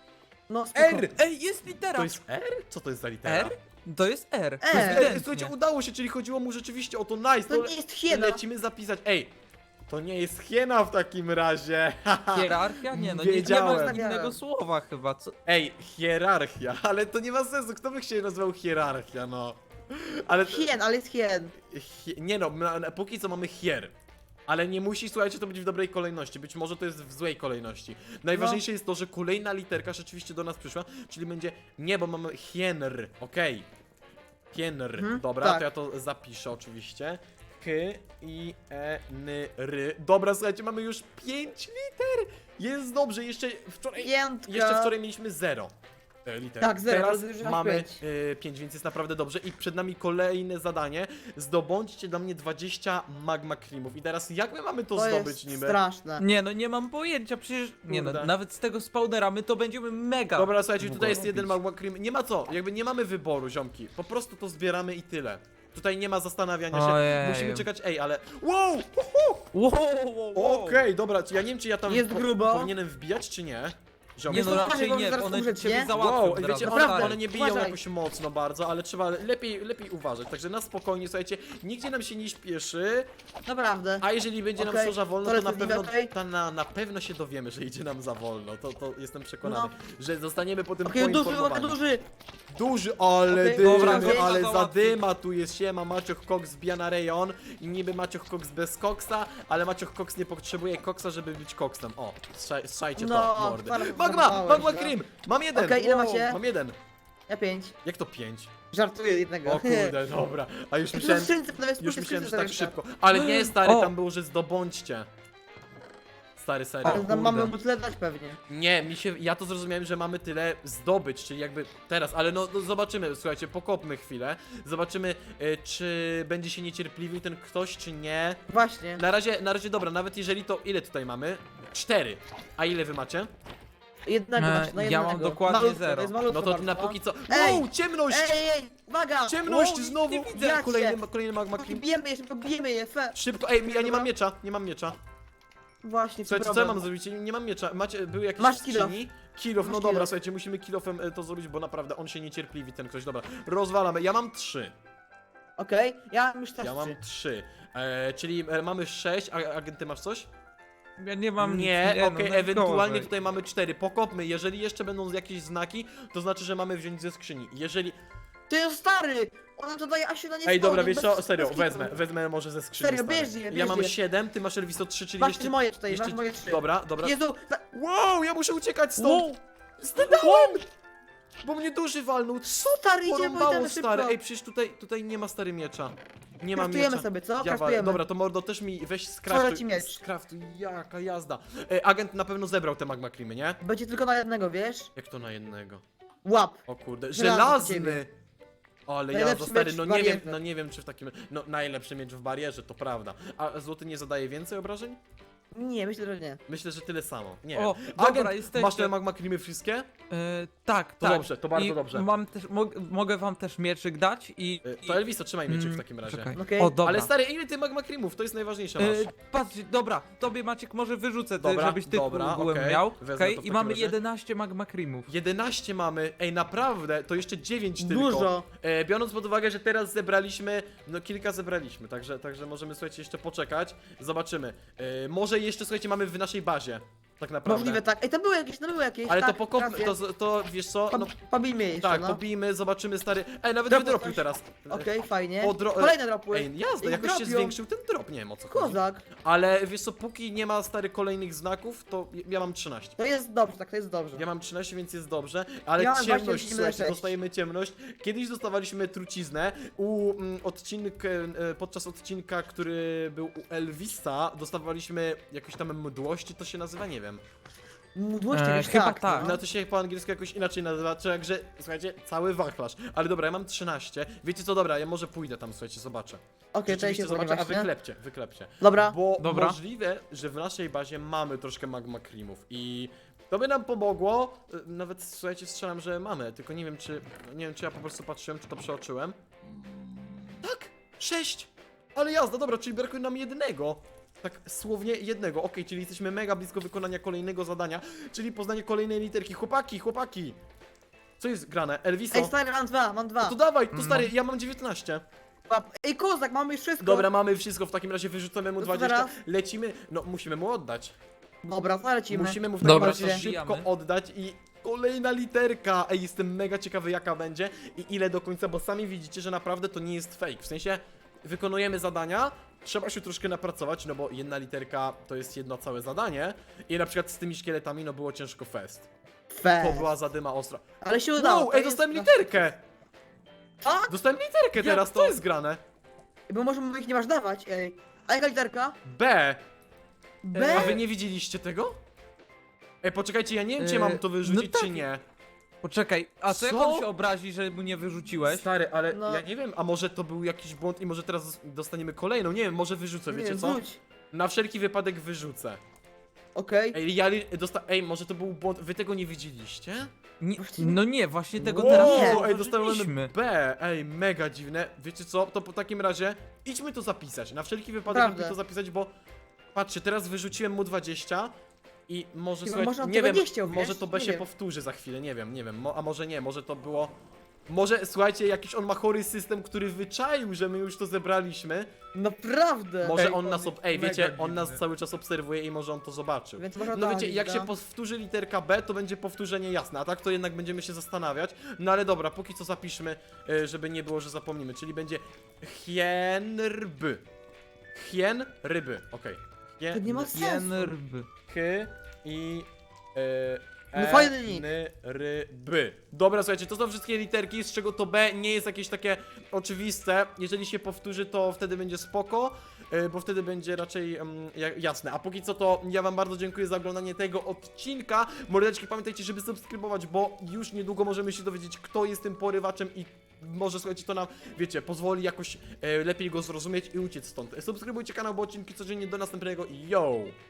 Speaker 2: No, spoko.
Speaker 3: R! Ej, jest litera!
Speaker 1: To jest R? Co to jest za litera?
Speaker 3: R? To jest R. To
Speaker 2: R.
Speaker 3: jest
Speaker 1: Ej,
Speaker 3: ewidentnie.
Speaker 1: słuchajcie, udało się, czyli chodziło mu rzeczywiście o to nice.
Speaker 2: To nie jest hiena.
Speaker 1: Lecimy zapisać. Ej, to nie jest hiena w takim razie.
Speaker 3: Hierarchia? Nie, no nie, nie
Speaker 1: Wiedziałem.
Speaker 3: ma innego słowa chyba. Co?
Speaker 1: Ej, hierarchia, ale to nie ma sensu. Kto by się nazywał hierarchia, no? Ale...
Speaker 2: Hien, ale jest hien.
Speaker 1: Hi- Nie no, na, na, póki co mamy hier. Ale nie musi, słuchajcie, to być w dobrej kolejności. Być może to jest w złej kolejności. Najważniejsze jest to, że kolejna literka rzeczywiście do nas przyszła, czyli będzie nie, bo mamy hienr, okej. Hienr,
Speaker 2: Mhm,
Speaker 1: dobra,
Speaker 2: tak.
Speaker 1: to ja to zapiszę oczywiście. K, I, E, N, R. Dobra, słuchajcie, mamy już pięć liter. Jest dobrze, jeszcze wczoraj,
Speaker 2: Jętka.
Speaker 1: jeszcze wczoraj mieliśmy zero. e, liter.
Speaker 2: Tak, zero,
Speaker 1: Teraz
Speaker 2: ale już masz
Speaker 1: mamy
Speaker 2: pięć.
Speaker 1: e, pięć, więc jest naprawdę dobrze. I przed nami kolejne zadanie. Zdobądźcie dla mnie dwadzieścia magma creamów. I teraz jak my mamy to,
Speaker 2: To
Speaker 1: zdobyć
Speaker 2: jest
Speaker 1: niby?
Speaker 2: straszne.
Speaker 3: Nie no, nie mam pojęcia, przecież... Nie no,
Speaker 1: Kurde.
Speaker 3: nawet z tego spawnera my to będziemy mega...
Speaker 1: Dobra, słuchajcie,
Speaker 3: długo
Speaker 1: tutaj jest jeden
Speaker 3: robić.
Speaker 1: magma cream. Nie ma co, jakby nie mamy wyboru, ziomki. Po prostu to zbieramy i tyle. Tutaj nie ma zastanawiania się.
Speaker 3: Ojej.
Speaker 1: Musimy czekać. Ej, ale. Wow! Uhu!
Speaker 3: Wow, wow, wow.
Speaker 1: Okej, dobra, ja nie wiem, czy ja tam
Speaker 2: Jest grubo.
Speaker 1: powinienem wbijać, czy nie. Ziomek.
Speaker 3: Nie no,
Speaker 2: Uważaj,
Speaker 3: raczej
Speaker 2: bo
Speaker 3: nie,
Speaker 2: zaraz
Speaker 3: one
Speaker 2: umrzeć,
Speaker 3: ciebie
Speaker 2: nie?
Speaker 3: załatwią
Speaker 1: Wow,
Speaker 3: od
Speaker 1: wiecie,
Speaker 3: razu.
Speaker 1: one,
Speaker 2: Naprawdę,
Speaker 1: one nie biją
Speaker 2: uważaj.
Speaker 1: jakoś mocno bardzo, ale trzeba lepiej, lepiej uważać. Także na spokojnie, słuchajcie, nigdzie nam się nie śpieszy,
Speaker 2: Naprawdę.
Speaker 1: a jeżeli będzie nam
Speaker 2: Okej,
Speaker 1: szło za wolno,
Speaker 2: to
Speaker 1: to na
Speaker 2: lecę z nim,
Speaker 1: pewno,
Speaker 2: okej?
Speaker 1: ta, na, na pewno się dowiemy, że idzie nam za wolno. To, to jestem przekonany, że zostaniemy potem
Speaker 2: Okej, duży, uwaga,
Speaker 1: poinformowani.
Speaker 2: duży.
Speaker 1: Duży, ale
Speaker 2: Okej,
Speaker 1: dymy,
Speaker 3: dobra,
Speaker 2: dobra,
Speaker 1: ale
Speaker 3: można załatwić.
Speaker 1: zadyma tu jest, siema, Macioch Cox zbija na rejon i niby Macioch Cox bez koksa, ale Macioch Cox nie potrzebuje koksa, żeby być koksem. O, strza- strzajcie
Speaker 2: No,
Speaker 1: to, mordy.
Speaker 2: fajnie
Speaker 1: Magma,
Speaker 2: zbudowałeś,
Speaker 1: magma
Speaker 2: no.
Speaker 1: cream, mam jeden,
Speaker 2: Okej, ile macie?
Speaker 1: mam jeden.
Speaker 2: Ja pięć.
Speaker 1: Jak to pięć?
Speaker 2: Żartuję jednego.
Speaker 1: O kurde, dobra, a już
Speaker 2: To
Speaker 1: myślałem,
Speaker 2: jest skrzynce, to jest
Speaker 1: już
Speaker 2: skrzynce,
Speaker 1: myślałem, że tak
Speaker 2: skrzynce.
Speaker 1: szybko. Ale nie, stary,
Speaker 3: O!
Speaker 1: tam było, że zdobądźcie. Stary, serio.
Speaker 2: Ale tam mamy
Speaker 3: kurde.
Speaker 2: mu tyle dać pewnie.
Speaker 1: Nie, mi się, ja to zrozumiałem, że mamy tyle zdobyć, czyli jakby teraz, ale no, no zobaczymy, słuchajcie, pokopmy chwilę, zobaczymy, y, czy będzie się niecierpliwił ten ktoś, czy nie.
Speaker 2: Właśnie.
Speaker 1: Na razie, na razie dobra, nawet jeżeli to, ile tutaj mamy? Cztery. A ile wy macie?
Speaker 2: Jednego
Speaker 3: E,
Speaker 2: macie, no
Speaker 3: ja
Speaker 2: jednego.
Speaker 3: mam dokładnie
Speaker 2: Malutko,
Speaker 3: zero.
Speaker 2: To jest malutko
Speaker 1: No to
Speaker 2: bardzo,
Speaker 1: na póki co...
Speaker 2: Ej!
Speaker 1: Wow, ciemność!
Speaker 2: Ej, ej, uwaga!
Speaker 1: Ciemność
Speaker 3: Wow,
Speaker 1: znowu!
Speaker 3: nie widzę.
Speaker 2: Ja cię.
Speaker 1: Kolejny, kolejny magma
Speaker 2: Szybko
Speaker 1: cream.
Speaker 2: bijemy je, szybko bijemy je, fe.
Speaker 1: Szybko, ej, ja nie mam
Speaker 2: Dobra.
Speaker 1: miecza, nie mam miecza.
Speaker 2: Właśnie,
Speaker 1: Słuchajcie, co ja
Speaker 2: problem.
Speaker 1: mam zrobić? Nie mam miecza. Macie, były jakieś
Speaker 2: Masz
Speaker 1: skrzyni? Kilof, no
Speaker 2: Masz
Speaker 1: dobra,
Speaker 2: kilof.
Speaker 1: słuchajcie, musimy kilofem e, to zrobić, bo naprawdę on się niecierpliwi, ten ktoś. Dobra, rozwalamy. Ja mam trzy.
Speaker 2: Okej, ja mam już też
Speaker 1: Ja mam
Speaker 2: trzy.
Speaker 1: trzy. E, czyli e, mamy sześć, a agenty masz coś?
Speaker 3: Ja nie mam
Speaker 1: Nie,
Speaker 3: nic,
Speaker 1: okej,
Speaker 3: no,
Speaker 1: ewentualnie
Speaker 3: najgorzej.
Speaker 1: tutaj mamy cztery. Pokopmy, jeżeli jeszcze będą jakieś znaki, to znaczy, że mamy wziąć ze skrzyni. Jeżeli...
Speaker 2: Ty jest stary! Ona to daje Asiu na nie
Speaker 1: Ej, dobra,
Speaker 2: spawnie,
Speaker 1: wiesz
Speaker 2: bez-
Speaker 1: co, serio,
Speaker 2: bez kitu.
Speaker 1: wezmę, wezmę może ze skrzyni.
Speaker 2: Serio,
Speaker 1: stary.
Speaker 2: bierz je,
Speaker 1: Ja
Speaker 2: bierz
Speaker 1: mam
Speaker 2: je.
Speaker 1: siedem, ty masz Elviso trzy, czyli
Speaker 2: Masz
Speaker 1: jeszcze...
Speaker 2: moje tutaj,
Speaker 1: jeszcze...
Speaker 2: masz moje trzy.
Speaker 1: Dobra, dobra.
Speaker 2: Jezu, za...
Speaker 1: Wow, ja muszę uciekać stąd!
Speaker 3: Wow,
Speaker 1: Zdadałem! Bo mnie duży walnął. Co
Speaker 2: stary, idziemy, bo
Speaker 1: porąbało,
Speaker 2: idziemy
Speaker 1: stary?
Speaker 2: szybko.
Speaker 1: Ej, przecież tutaj, tutaj nie ma stary miecza. Nie ma
Speaker 2: Kraftujemy
Speaker 1: miecza.
Speaker 2: sobie, co?
Speaker 1: Ja walę.
Speaker 2: Kraftujemy.
Speaker 1: Dobra, to mordo, też mi weź
Speaker 2: Stworzę
Speaker 1: skraftuj.
Speaker 2: ci miecz.
Speaker 1: Skraftuj, jaka jazda. E, agent na pewno zebrał te magma creamy, nie?
Speaker 2: Będzie tylko na jednego, wiesz?
Speaker 1: Jak to na jednego?
Speaker 2: Łap.
Speaker 1: O kurde,
Speaker 2: Żelazny
Speaker 1: żelazny!
Speaker 2: ciebie.
Speaker 1: Ale
Speaker 2: Najlepszy
Speaker 1: jazda, stary,
Speaker 2: miecz
Speaker 1: no
Speaker 2: w
Speaker 1: nie wiem,
Speaker 2: barierze.
Speaker 1: no nie wiem czy w takim... No najlepszy miecz w barierze, to prawda. A złoty nie zadaje więcej obrażeń?
Speaker 2: Nie, myślę, że nie.
Speaker 1: Myślę, że tyle samo. Nie
Speaker 3: O,
Speaker 1: wiem.
Speaker 3: dobra,
Speaker 1: Agent,
Speaker 3: jesteście.
Speaker 1: masz te magma creamy wszystkie?
Speaker 3: E, tak,
Speaker 1: To
Speaker 3: tak.
Speaker 1: dobrze, to bardzo
Speaker 3: I
Speaker 1: dobrze.
Speaker 3: Mam też, mog, mogę wam też mieczyk dać i...
Speaker 1: E,
Speaker 3: i
Speaker 1: To Elviso, trzymaj mieczyk w
Speaker 3: mm,
Speaker 1: takim razie.
Speaker 3: czekaj.
Speaker 2: Okej.
Speaker 3: O, dobra.
Speaker 1: Ale stary, ile ty magma creamów? To jest najważniejsze masz.
Speaker 3: E, patrz, dobra, tobie Maciek może wyrzucę, ty,
Speaker 1: Dobra,
Speaker 3: żebyś ty
Speaker 1: dobra,
Speaker 3: ogółem
Speaker 1: okej.
Speaker 3: miał.
Speaker 1: Wezmę
Speaker 3: Okej,
Speaker 1: to w
Speaker 3: i
Speaker 1: takim
Speaker 3: mamy
Speaker 1: razie.
Speaker 3: jedenaście magma creamów.
Speaker 1: jedenaście mamy, ej naprawdę, to jeszcze dziewięć tylko.
Speaker 2: Dużo.
Speaker 1: E, biorąc pod uwagę, że teraz zebraliśmy, no kilka zebraliśmy, także, także możemy, słuchajcie, jeszcze poczekać, zobaczymy. E, może jeszcze, słuchajcie, mamy w naszej bazie, tak naprawdę.
Speaker 2: Możliwe tak. Ej, to były jakieś, no były jakieś.
Speaker 1: Ale
Speaker 2: tak,
Speaker 1: to pokopmy,
Speaker 2: racja.
Speaker 1: to, to wiesz co, no
Speaker 2: Pob- Pobijmy je jeszcze,
Speaker 1: tak,
Speaker 2: no.
Speaker 1: pobijmy, zobaczymy, stary, ej, nawet
Speaker 2: Dropu
Speaker 1: wydropił
Speaker 2: coś.
Speaker 1: teraz.
Speaker 2: Okej, fajnie.
Speaker 1: Podro-
Speaker 2: Kolejne dropły.
Speaker 1: Ej, jazda,
Speaker 2: Ej,
Speaker 1: jakoś się
Speaker 2: dropią.
Speaker 1: zwiększył ten drop, nie wiem o co chodzi.
Speaker 2: Kozak.
Speaker 1: Ale wiesz co, póki nie ma, stary, kolejnych znaków, to ja mam trzynaście.
Speaker 2: To jest dobrze, tak, to jest dobrze.
Speaker 1: Ja mam trzynaście, więc jest dobrze, ale
Speaker 2: Ja mam właśnie
Speaker 1: ciemność,
Speaker 2: widzimy
Speaker 1: słuchajcie,
Speaker 2: sześć.
Speaker 1: dostajemy ciemność. Kiedyś dostawaliśmy truciznę. U mm, odcinka, e, podczas odcinka, który był u Elvisa, dostawaliśmy jakieś tam mdłości, to się nazywa, nie wiem.
Speaker 2: Mdłości
Speaker 3: E,
Speaker 2: jakieś
Speaker 3: chyba
Speaker 2: tak.
Speaker 3: tak.
Speaker 2: No.
Speaker 1: No to się po angielsku jakoś inaczej nazywa, także, słuchajcie, cały wachlarz. Ale dobra, ja mam trzynaście. Wiecie co, dobra, ja może pójdę tam, słuchajcie, zobaczę.
Speaker 2: Okej, cześć,
Speaker 1: Rzeczywiście
Speaker 2: się
Speaker 1: zobaczę, a
Speaker 2: właśnie.
Speaker 1: wyklepcie, wyklepcie.
Speaker 2: Dobra.
Speaker 1: Bo
Speaker 3: Dobra.
Speaker 1: możliwe, że w naszej bazie mamy troszkę magma creamów i to by nam pomogło. y, Nawet słuchajcie, strzelam, że mamy, tylko nie wiem czy. Nie wiem czy ja po prostu patrzyłem, czy to przeoczyłem. Tak! Sześć! Ale jazda, dobra, czyli brakuje nam jednego. Tak słownie jednego. Okej, czyli jesteśmy mega blisko wykonania kolejnego zadania, czyli poznanie kolejnej literki. Chłopaki, chłopaki! Co jest grane? Elviso?
Speaker 2: Ej, stary, mam dwa, mam dwa.
Speaker 1: To dawaj, to
Speaker 3: No.
Speaker 1: stary, ja mam dziewiętnaście.
Speaker 2: Łap. Ej, kozak, mamy już wszystko.
Speaker 1: Dobra, mamy wszystko, w takim razie wyrzucamy mu
Speaker 2: To co
Speaker 1: dwadzieścia.
Speaker 2: teraz?
Speaker 1: Lecimy, no musimy mu oddać.
Speaker 2: Dobra, to lecimy.
Speaker 1: Musimy mu w takim
Speaker 3: Dobra,
Speaker 1: razie
Speaker 3: to
Speaker 1: szybko
Speaker 3: wbijamy.
Speaker 1: oddać i kolejna literka. Ej, jestem mega ciekawy jaka będzie i ile do końca, bo sami widzicie, że naprawdę to nie jest fake. W sensie wykonujemy zadania, trzeba się troszkę napracować, no bo jedna literka to jest jedno całe zadanie i na przykład z tymi szkieletami no było ciężko fest. To
Speaker 2: Fe.
Speaker 1: była zadyma ostra.
Speaker 2: Ale się udało.
Speaker 1: Wow,
Speaker 2: to
Speaker 1: ej,
Speaker 2: jest-
Speaker 1: dostałem literkę!
Speaker 2: Tak?
Speaker 1: Dostałem literkę
Speaker 3: Jak
Speaker 1: teraz,
Speaker 3: to?
Speaker 1: co jest grane?
Speaker 2: Bo może mu ich nie masz dawać, ej. A jaka literka?
Speaker 1: B.
Speaker 2: B?
Speaker 1: A wy nie widzieliście tego? Ej, poczekajcie, ja nie wiem, czy
Speaker 3: Eee,
Speaker 1: mam to wyrzucić,
Speaker 3: no tak.
Speaker 1: czy nie.
Speaker 3: Poczekaj, a co, jak
Speaker 1: Co?
Speaker 3: on się obrazi, że mu nie wyrzuciłeś?
Speaker 1: Stary, ale
Speaker 2: No.
Speaker 1: ja nie wiem, a może to był jakiś błąd i może teraz dostaniemy kolejną, nie wiem, może wyrzucę,
Speaker 2: Nie
Speaker 1: wiecie
Speaker 2: wiem,
Speaker 1: co?
Speaker 2: wróć.
Speaker 1: Na wszelki wypadek wyrzucę.
Speaker 2: Okej.
Speaker 1: Ej, ja li- dosta- Ej, może to był błąd, wy tego nie widzieliście?
Speaker 3: Nie,
Speaker 2: Właściwie-
Speaker 3: no nie, właśnie tego
Speaker 1: Wow,
Speaker 3: teraz
Speaker 2: nie
Speaker 1: ej,
Speaker 3: zauważyliśmy.
Speaker 1: dostałem B, ej, mega dziwne. Wiecie co, to po takim razie idźmy to zapisać, na wszelki wypadek
Speaker 2: Prawda.
Speaker 1: idźmy to zapisać, bo patrzcie, teraz wyrzuciłem mu dwadzieścia i może,
Speaker 2: Chyba
Speaker 1: słuchajcie,
Speaker 2: może on
Speaker 1: nie
Speaker 2: tego
Speaker 1: wiem,
Speaker 2: nie chciał,
Speaker 1: może
Speaker 2: wiesz?
Speaker 1: to B
Speaker 2: Nie
Speaker 1: się
Speaker 2: wiem.
Speaker 1: powtórzy za chwilę, nie wiem, nie wiem, Mo, a może nie, może to było... Może, słuchajcie, jakiś on ma chory system, który wyczaił, że my już to zebraliśmy.
Speaker 2: Naprawdę.
Speaker 1: Może
Speaker 3: Ej,
Speaker 1: on
Speaker 3: on
Speaker 1: nas, ob...
Speaker 3: jest
Speaker 1: Ej, wiecie,
Speaker 3: mega
Speaker 1: on nas
Speaker 3: dziwny.
Speaker 1: cały czas obserwuje i może on to zobaczył.
Speaker 2: Więc może
Speaker 1: No
Speaker 2: tak,
Speaker 1: wiecie, jak
Speaker 2: da.
Speaker 1: się powtórzy literka B, to będzie powtórzenie jasne, a tak to jednak będziemy się zastanawiać. No ale dobra, póki co zapiszmy, e, żeby nie było, że zapomnimy, czyli będzie hienrby. Hien ryby, okej.
Speaker 2: To nie ma sensu.
Speaker 3: Jenrby.
Speaker 1: K i e,
Speaker 2: No fajny nick.
Speaker 1: N, ry, by. Dobra, słuchajcie, to są wszystkie literki, z czego to B nie jest jakieś takie oczywiste. Jeżeli się powtórzy, to wtedy będzie spoko, e, bo wtedy będzie raczej em, ja- jasne. A póki co to ja wam bardzo dziękuję za oglądanie tego odcinka. Mordeczki, pamiętajcie, żeby subskrybować, bo już niedługo możemy się dowiedzieć, kto jest tym porywaczem i może, słuchajcie, to nam, wiecie, pozwoli jakoś e, lepiej go zrozumieć i uciec stąd. Subskrybujcie kanał, bo odcinki codziennie do następnego i yo!